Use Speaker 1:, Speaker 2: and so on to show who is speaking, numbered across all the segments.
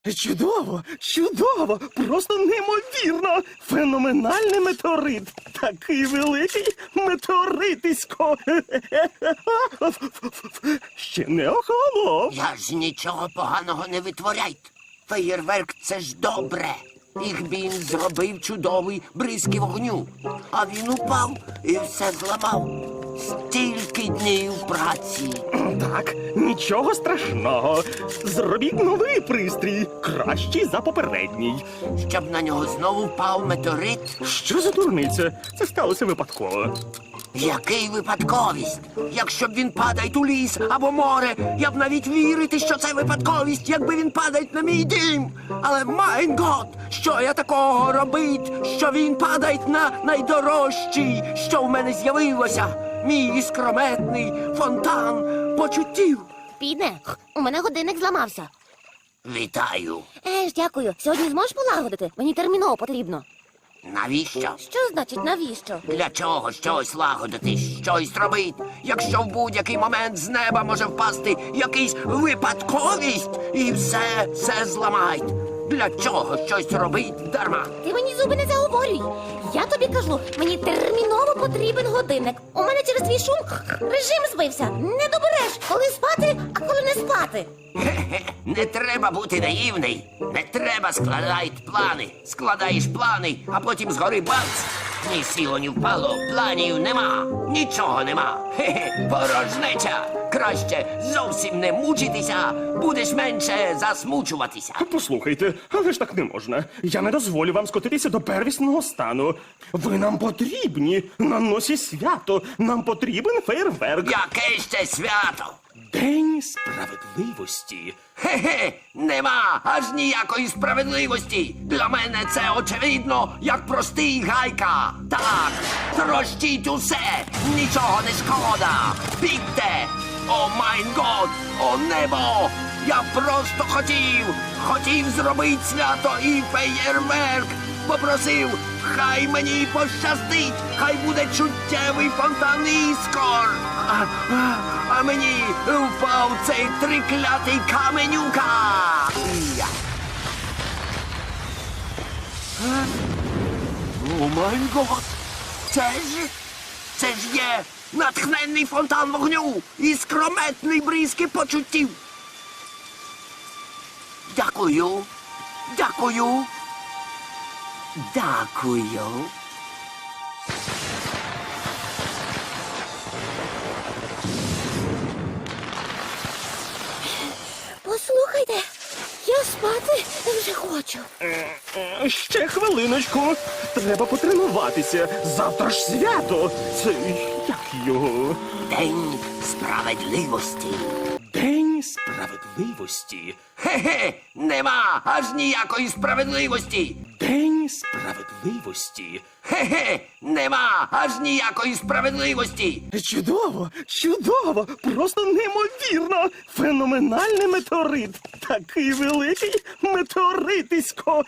Speaker 1: Чудово, чудово, просто неймовірно. Феноменальний метеорит. Такий великий метеоритисько. Ще не охолонув.
Speaker 2: Я ж нічого поганого не витворяйте. Феєрверк – це ж добре. Їх він зробив чудовий бризки вогню. А він упав і все зламав. Стільки днів праці.
Speaker 1: Так, нічого страшного. Зробіть новий пристрій, кращий за попередній.
Speaker 2: Щоб на нього знову впав метеорит.
Speaker 1: Що за дурниця? Це сталося випадково.
Speaker 2: Який випадковість? Якщо б він падає у ліс або море, я б навіть вірити, що це випадковість, якби він падає на мій дім. Але, майн гот, що я такого робить, що він падає на найдорожчий, що в мене з'явилося? Мій іскрометний фонтан почуттів.
Speaker 3: Піде, у мене годинник зламався.
Speaker 2: Вітаю.
Speaker 3: Дякую. Сьогодні зможеш полагодити? Мені терміново потрібно.
Speaker 2: Навіщо?
Speaker 3: Що значить навіщо?
Speaker 2: Для чого щось лагодити, щось робить, якщо в будь-який момент з неба може впасти якийсь випадковість і все зламають? Для чого щось робить дарма?
Speaker 3: Ти мені зуби не заговорюй. Я тобі кажу, мені терміново потрібен годинник. У мене через твій шум режим збився. Не добереш, коли спати, а коли не спати.
Speaker 2: Хе-хе, не треба бути наївний. Не треба складати плани. Складаєш плани, а потім згори бац. Ні сіло, ні впало, планів нема. Нічого нема. Хе-хе, порожнеча. Краще зовсім не мучитися, будеш менше засмучуватися.
Speaker 1: Послухайте, але ж так не можна. Я не дозволю вам скотитися до первісного стану. Ви нам потрібні. На носі свято. Нам потрібен фейерверк.
Speaker 2: Яке ще свято?
Speaker 1: День справедливості.
Speaker 2: Хе-хе, нема аж ніякої справедливості. Для мене це очевидно, як простий гайка. Так, трощіть усе, нічого не шкода. Бігте! О майн год, о небо! Я просто хотів зробити свято і феєрверк. Попросив, хай мені пощастить, хай буде чуттєвий фонтан іскор. А мені впав цей триклятий каменюка. Я. О май гот! Це ж є натхненний фонтан вогню і скрометний бризки почуттів. Дякую. Дякую. Дякую.
Speaker 3: Послухайте, я спати вже хочу.
Speaker 1: Ще хвилиночку. Треба потренуватися. Завтра ж свято. Це як його?
Speaker 2: День справедливості.
Speaker 1: День справедливості.
Speaker 2: Хе-хе, нема аж ніякої справедливості.
Speaker 1: День справедливості.
Speaker 2: Хе-хе, нема аж ніякої справедливості.
Speaker 1: Чудово, чудово, просто неймовірно. Феноменальний метеорит. Такий великий метеоритисько.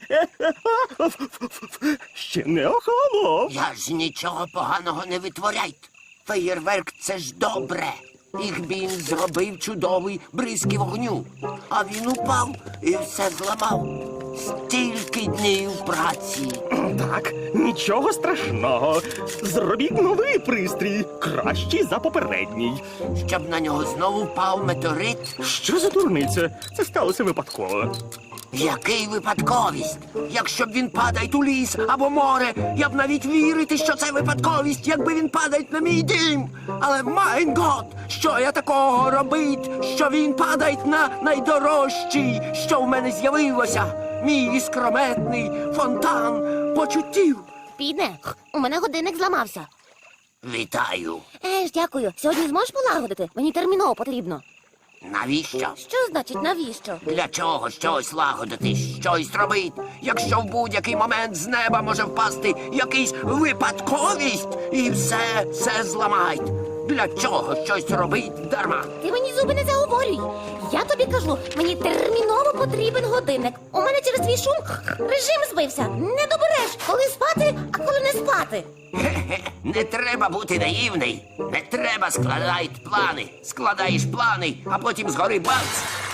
Speaker 1: Ще не охолонув.
Speaker 2: Я ж нічого поганого не витворяйте. Феєрверк – це ж добре. Їх він зробив чудовий бризки вогню. А він упав і все зламав. Стільки днів праці.
Speaker 1: Так, нічого страшного. Зробіть новий пристрій, кращий за попередній.
Speaker 2: Щоб на нього знову впав метеорит.
Speaker 1: Що за дурниця? Це сталося випадково.
Speaker 2: Який випадковість? Якщо б він падає у ліс або море, я б навіть вірити, що це випадковість, якби він падає на мій дім. Але, майн гот, що я такого робить, що він падає на найдорожчий, що в мене з'явилося? Мій іскрометний фонтан почуттів.
Speaker 3: Піде, у мене годинник зламався.
Speaker 2: Вітаю.
Speaker 3: Дякую. Сьогодні зможеш полагодити? Мені терміново потрібно.
Speaker 2: Навіщо?
Speaker 3: Що значить навіщо?
Speaker 2: Для чого щось лагодити, щось робить, якщо в будь-який момент з неба може впасти якийсь випадковість і все зламають? Для чого щось робить дарма?
Speaker 3: Ти мені зуби не заговорюй. Я тобі кажу, мені терміново потрібен годинник. У мене через твій шум режим збився. Не добереш, коли спати, а коли не спати.
Speaker 2: Хе-хе, не треба бути наївний. Не треба складати плани. Складаєш плани, а потім згори бац.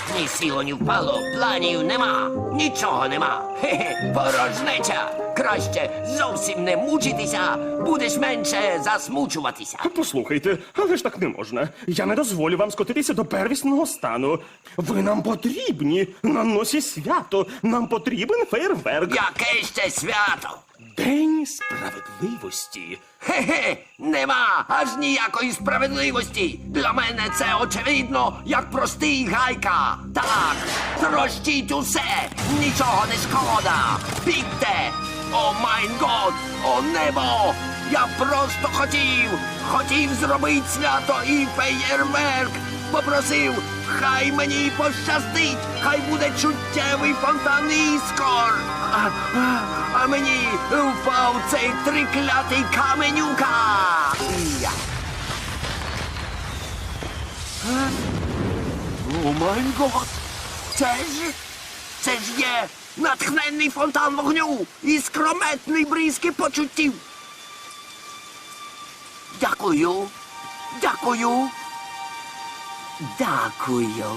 Speaker 2: Ні сіло, ні впало, планів нема, нічого нема. Хе-хе, порожнеча. Краще зовсім не мучитися, будеш менше засмучуватися.
Speaker 1: Послухайте, але ж так не можна. Я не дозволю вам скотитися до первісного стану. Ви нам потрібні на носі свято. Нам потрібен фейерверк.
Speaker 2: Яке ще свято?
Speaker 1: День справедливості.
Speaker 2: Хе-хе, нема аж ніякої справедливості. Для мене це очевидно, як простий гайка. Так, трощіть усе, нічого не шкода. Бігте! О майн год, о небо! Я просто хотів зробити свято і феєрверк. Попросив, хай мені пощастить, хай буде чуттєвий фонтан іскор. А мені впав цей триклятий каменюка. Я. О май гот! Це ж є натхненний фонтан вогню і скрометний бризки почуттів. Дякую. Дякую. Дякую.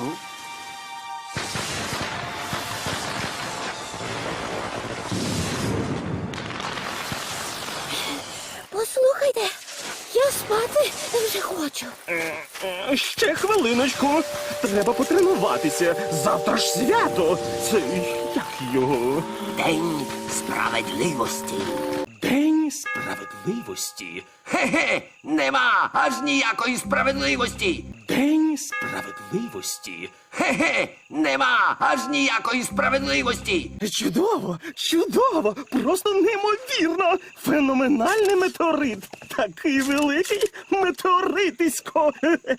Speaker 3: Послухайте, я спати вже хочу.
Speaker 1: Ще хвилиночку. Треба потренуватися. Завтра ж свято. Це як його?
Speaker 2: День справедливості.
Speaker 1: День справедливості.
Speaker 2: Хе-хе, нема аж ніякої справедливості.
Speaker 1: День справедливості.
Speaker 2: Хе-хе, нема аж ніякої справедливості.
Speaker 1: Чудово, чудово, просто неймовірно. Феноменальний метеорит. Такий великий метеоритисько.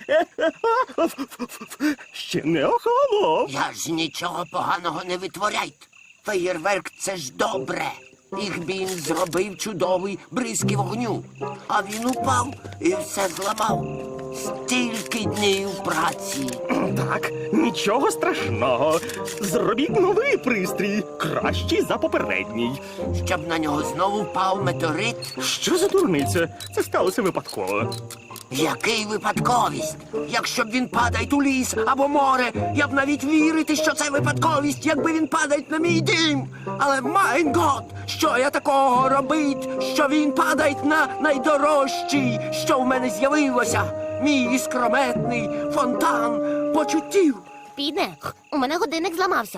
Speaker 1: Ще не охолонув.
Speaker 2: Я ж нічого поганого не витворяйте. Феєрверк це ж добре. Їх він зробив чудовий бризки вогню. А він упав і все зламав. Стільки днів праці.
Speaker 1: Так, нічого страшного. Зробіть новий пристрій, кращий за попередній.
Speaker 2: Щоб на нього знову впав метеорит.
Speaker 1: Що за дурниця? Це сталося випадково.
Speaker 2: Який випадковість? Якщо б він падає у ліс або море, я б навіть вірити, що це випадковість, якби він падає на мій дім. Але майн гот, що я такого робить, що він падає на найдорожчий, що в мене з'явилося. Мій іскрометний фонтан почуттів.
Speaker 3: Піде, у мене годинник зламався.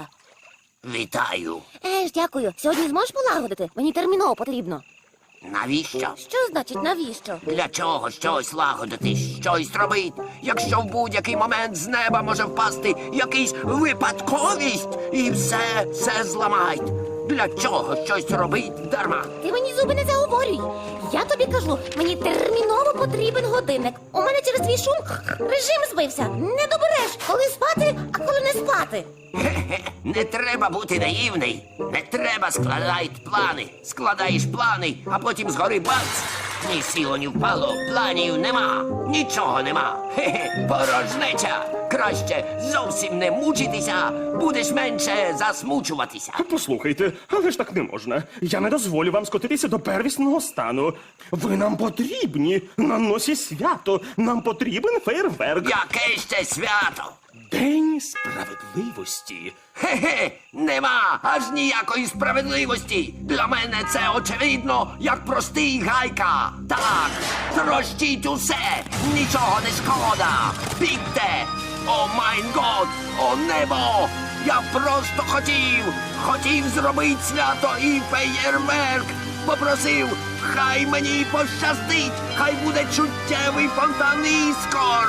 Speaker 2: Вітаю.
Speaker 3: Дякую. Сьогодні зможеш полагодити? Мені терміново потрібно.
Speaker 2: Навіщо?
Speaker 3: Що значить навіщо?
Speaker 2: Для чого щось лагодити, щось робити, якщо в будь-який момент з неба може впасти якийсь випадковість і все зламають? Для чого щось робить дарма?
Speaker 3: Ти мені зуби не заговорюй. Я тобі кажу, мені терміново потрібен годинник. У мене через твій шум режим збився. Не добереш, коли спати, а коли не спати.
Speaker 2: Хе-хе, не треба бути наївний. Не треба складати плани. Складаєш плани, а потім згори бац. Ні сіло, ні впало, планів нема, нічого нема. Хе-хе, порожнеча. Краще зовсім не мучитися, будеш менше засмучуватися.
Speaker 1: Послухайте, але ж так не можна. Я не дозволю вам скотитися до первісного стану. Ви нам потрібні на носі свято. Нам потрібен фейерверк.
Speaker 2: Яке ще свято?
Speaker 1: День справедливості.
Speaker 2: Хе-хе, нема аж ніякої справедливості. Для мене це очевидно, як простий гайка. Так, трощіть усе, нічого не шкода. Бігте! О майн год, о небо! Я просто хотів зробити свято і феєрверк. Попросив, хай мені пощастить, хай буде чуттєвий фонтан іскор.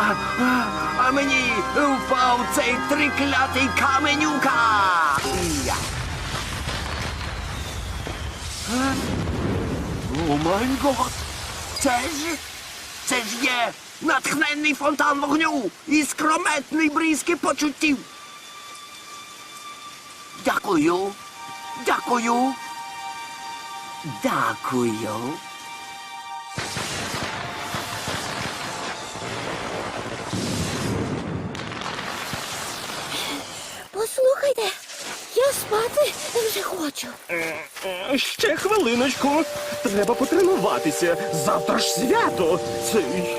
Speaker 2: А мені впав цей триклятий каменюка. Я. О май гот! Це ж є натхненний фонтан вогню і скрометний бризки почуттів. Дякую. Дякую. Дякую.
Speaker 3: Послухайте, я Спати вже хочу.
Speaker 1: Ще хвилиночку. Треба потренуватися. Завтра ж свято. Це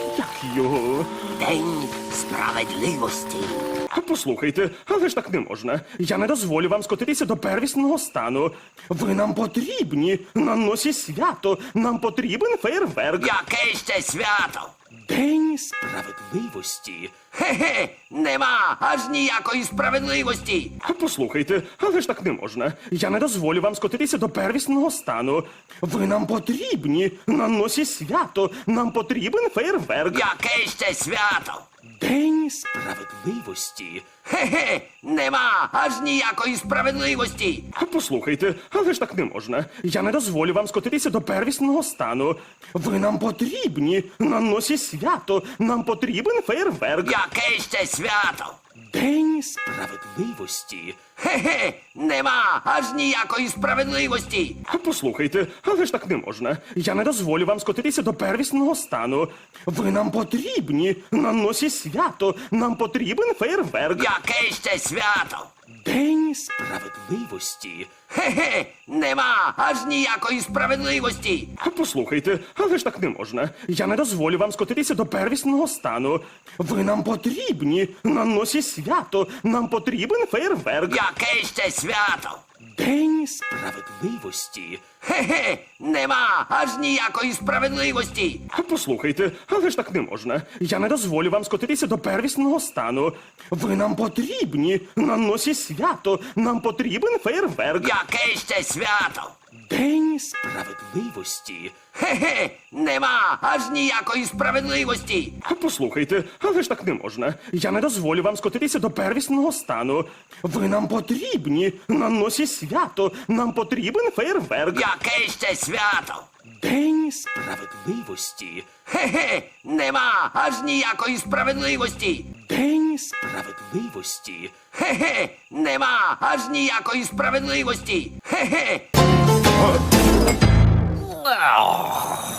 Speaker 1: як його?
Speaker 2: День справедливості.
Speaker 1: Послухайте, але ж так не можна. Я не дозволю вам скотитися до первісного стану. Ви нам потрібні. На носі свято. Нам потрібен фейерверк.
Speaker 2: Яке ще свято?
Speaker 1: День справедливості.
Speaker 2: Хе-хе, нема аж ніякої справедливості.
Speaker 1: Послухайте, але ж так не можна. Я не дозволю вам скотитися до первісного стану. Ви нам потрібні. На носі свято. Нам потрібен фейерверк.
Speaker 2: Яке ще свято?
Speaker 1: День справедливості.
Speaker 2: Хе-хе, нема аж ніякої справедливості.
Speaker 1: Послухайте, але ж так не можна. Я не дозволю вам скотитися до первісного стану. Ви нам потрібні. На носі свято. Нам потрібен фейерверк.
Speaker 2: Яке ще свято?
Speaker 1: День справедливості.
Speaker 2: Хе-хе, нема аж ніякої справедливості.
Speaker 1: Послухайте, але ж так не можна. Я не дозволю вам скотитися до первісного стану. Ви нам потрібні. На носі свято. Нам потрібен фейерверк.
Speaker 2: Яке ще свято?
Speaker 1: День справедливості.
Speaker 2: Хе-хе, нема аж ніякої справедливості.
Speaker 1: Послухайте, але ж так не можна. Я не дозволю вам скотитися до первісного стану. Ви нам потрібні. На носі свято. Нам потрібен фейерверк.
Speaker 2: Яке ще свято?
Speaker 1: День справедливості.
Speaker 2: Хе-хе, нема аж ніякої справедливості.
Speaker 1: Послухайте, але ж так не можна. Я не дозволю вам скотитися до первісного стану. Ви нам потрібні. На носі свято. Нам потрібен фейерверк.
Speaker 2: Яке ще свято?
Speaker 1: День справедливості.
Speaker 2: Хе-хе, нема аж ніякої справедливості.
Speaker 1: Послухайте, але ж так не можна. Я не дозволю вам скотитися до первісного стану. Ви нам потрібні. На носі свято. Нам потрібен фейерверк.
Speaker 2: Яке ще свято?
Speaker 1: День справедливості.
Speaker 2: Хе-хе, нема аж ніякої справедливості.
Speaker 1: День справедливості.
Speaker 2: Хе-хе, нема аж ніякої справедливості. Хе-хе.